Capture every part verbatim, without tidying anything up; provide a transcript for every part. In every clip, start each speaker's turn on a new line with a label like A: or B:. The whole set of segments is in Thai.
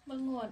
A: เมื่องวด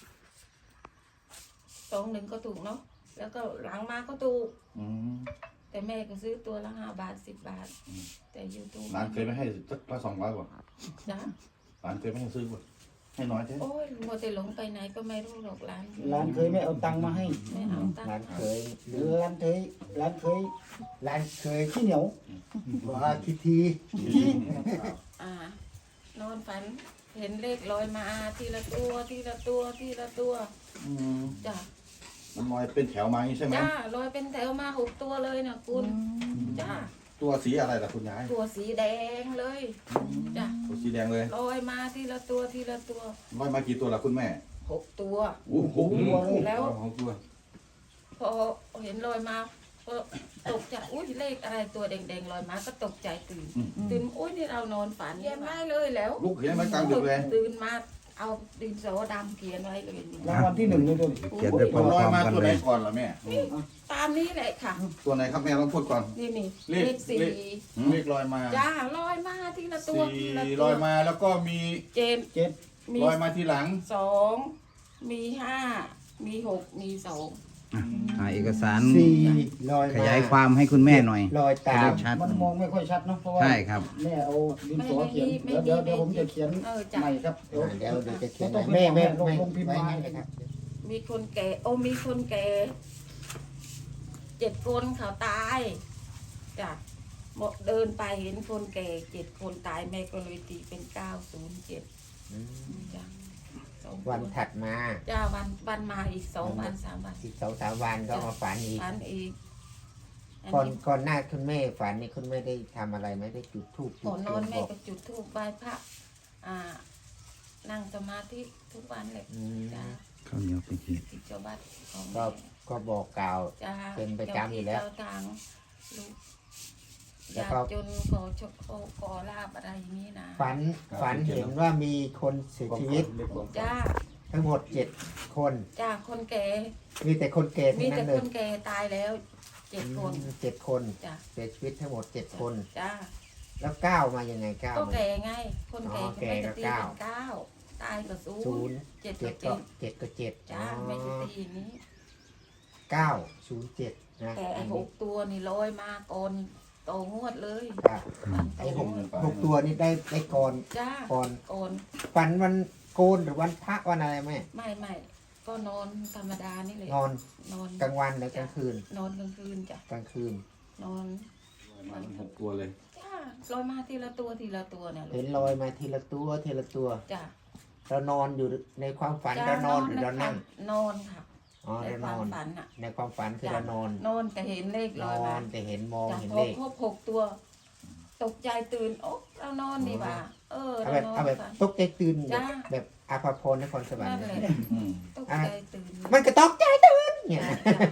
A: สองหนึ่งก็ถูกเนาะแล้วก็หลังมาก็ถูกแต่แม่ก็ซื้อตัวละห้าบาทสิบบาทแต่ยูทูบ
B: ร้านเคยไม่ให้สักละสองร้อยกว่า
A: จ้ะ
B: ร้านเคยไม่ให้ซื้อกว่าให้น้อยใช่
A: โอ้ยมัวแต่หลงไปไหนก็ไม่รู้หรอกร้าน
C: ร้านเคยไม่เอาตังค์มาให้
A: ไม่เอาตังค์
C: ร้านเคยหรือร้านเคยร้านเคยร้านเคยขี้เหนียวว่าคิดที
A: อ่านอนฝันเห็นเลขลอยมาทีละตัวทีละตัวทีละตัวจ้ะ
B: มันลอยเป็นแถวมาใช่ไหม
A: จ้าลอยเป็นแถวมาหกตัวเลยนะคุณจ้า
B: ตัวสีอะไรล่ะคุณยาย
A: ตัวสีแดงเลยจ้ะ
B: ตัวสีแดงเลย
A: ลอยมาทีละตัวทีละตัว
B: ลอยมากี่ตัวล่ะคุณแม่
A: หกตัว
B: โอ้โห
A: แล้ว
B: หกตัว
A: พอเห็นลอยมาก็ตกใจอุ้ยเลขอะไรตัวแดงๆลอยมาก็ตกใจตื่นตื่นอุ้ยนี่เรานอนฝันเขียนไว้เลยแล้ว
B: ลูกเขียนไว้กลางดึกเลย
A: ตื่นมาเอาดินสอดำเขียนไว้เลย
C: รางวัลที่หนึ่งเลยด้วย
B: เขียนได้พร้อมๆกันเลยก่อนล่ะแม่
A: ตามนี้แหละค่ะ
B: ตัวไหนครับแม่ต้องพูดก่อน
A: นี่นี่
D: เลขสี่เลขลอยมา
A: จ้าลอยมาทีละตัว
D: สี่ลอยมาแล้วก็มี
A: เจ็ด
C: เจ็ด
D: ลอยมาทีหลัง
A: สองมีห้ามีหกมีสอง
E: หาเอกสาร
C: สี่ลอย
E: ขยายความให้คุณแม่หน่อย
C: ลอยตาม
E: ชัด
C: มันมองไม่ค่อยชัดเนาะเพราะว่า
E: ใช่ครับ
C: แม่เอาดินสอเขียนเดี๋ยวเดี๋ยวเดี๋ยวผมจะเขียนใหม่ครับเดี๋ยวเดี๋ยวจะเขียนแม่แม่ลงลงพิมพ์มาเลยครับ
A: มีคนแก่โอ้มีคนแก่เจ็ดคนเขาตายจ้ะเดินไปเห็นคนแก่เจ็ดคนตายแม่ก็เลยตีเป็นเก้าศูนย์เจ็ดจ้ะ
F: วันถัดมา
A: จ้าวันวันมาอีกสองวันสามวัน
F: อีกสองสามวันก็มาฝันอีก
A: ฝันอีก
F: ก่อนก่อนหน้าคุณแม่ฝันนี่คุณแม่ได้ทำอะไรไหมได้จุดธูป
A: ก่อนนอนแม่ก็จุดธูปไหว้พระอ่านั่งสมาธิทุกวันเลยจ้า
E: ข้าวเหนียวเป็นเหตุ
A: เจ้าบ้าน
F: ก็ก็บอกกล่าวเป็นประจำอยู่แล้ว
A: ทางลูกอยากจนขอชกขอลาบอะไรอย่างนี้นะ
F: ฝันฝันเห็นว่ามีคนเสียชีวิต
A: จ้า
F: ทั้งหมดเจ็ดคน
A: จ้าคนแก่
F: มีแต่คนแก่ทั้
A: ง
F: นั้นเลย
A: มีแต่คนแก่ตายแล้วเจ็ดคน
F: เจ็ดคน
A: จ้า
F: เสียชีวิตทั้งหมดเจ็ดคน
A: จ้า
F: แล้วเก้ามายังไงเก้า
A: ก็แก่ไงคนแก่
F: แก่ก็เก้า
A: เก้าตายก็ศูนย์
F: เจ็ดก็เจ็ดเจ็ดก็เจ็ด
A: จ้าไม่จะตีนี้
F: เก้าศูนย์เจ็ดนะ
A: แต่หกตัวนี่ลอยมาก่อนโตงวดเลย
F: ไอ้หกหกตัวนี่ได้ได้ก่อน
A: จ้า
F: ก่อน
A: ก่อน
F: ฝันวันโกนหรือวันพระวันอะไรไหม
A: ไม่ไม่ก็นอนธรรมดานี่เลย
F: นอน
A: นอน
F: กลางวันหรือกลางคืน
A: นอนกลางคืนจ้ะ
F: กลางคืน
A: นอน
B: มันหกตัวเลย
A: จ้าลอยมาทีละตัวทีละตัวเนี่ย
F: เห็นลอยมาทีละตัวทีละตัว
A: จ้า
F: เรานอนอยู่ในความฝันเรานอนหรือเรานั่ง
A: นอนค่ะ
F: อ๋อเรานอนในความฝันคือเรานอน
A: นอนแต่เห็นเลขลอยมา
F: แต่เห็นมองเห็นเลข
A: ครบหกตัวตกใจตื่นโอ้เรานอนดีว่าเออ
F: เอาแบบเอาแบบตกใจตื่นแบบอาภาพรนครสวรรค์
A: ตกใจตื่น
F: มันก็ตกใจตื่นเนี่ย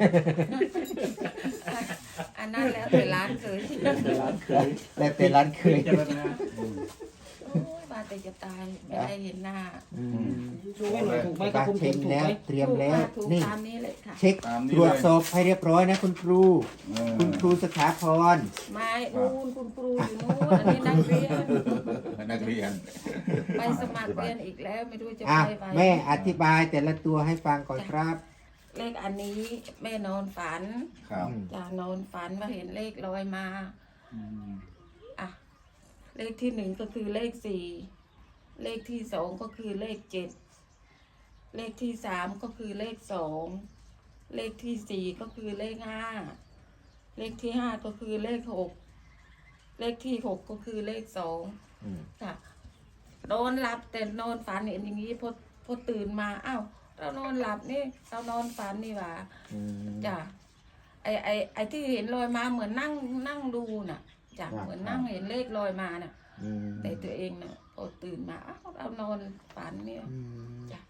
A: อันนั้นแล้วแต่ร้านเคย
F: แล้วแต่ร้านเคย
A: มาแต่จะตายไม่ได้เห็นหน้า
C: ดูให้หน่อยถูกไหมครับผม
F: เช็คแล้วเตรียมแล้ว
A: นี่
F: เช็คตรวจสอบให้เรียบร้อยนะคุณครูคุณครูสถาพร
A: ไม่นู่นคุณครูอยู่นู่นอันนี้นักเรียน
B: นักเรียน
A: ไปสมัครเรียนอีกแล้วไม่รู้จะไปไหม
F: แม่อธิบายแต่ละตัวให้ฟังก่อนครับ
A: เลขอันนี้แม่นอนฝันจะนอนฝันมาเห็นเลขลอยมาอ่ะเลขที่หนึ่งก็คือเลขสี่เลขที่สองก็คือเลขเจ็ดเลขที่สามก็คือเลขสองเลขที่สี่ก็คือเลขห้าเลขที่ห้าก็คือเลขหกเลขที่หกก็คือเลขสองค่ะนอนหลับแต่นอนฝันเห็นอย่างนี้พอพอตื่นมาอ้าวเรานอนหลับนี่เรานอนฝันนี่หว่าจ้ะไอไอไอที่เห็นลอยมาเหมือนนั่งนั่งดูน่ะจ้ะเหมือนนั่งเห็นเลขลอยมาน่ะแต่ตัวเองน่ะพอตื่นมาอ้าวเรานอนฝันเนี่ยจ้ะ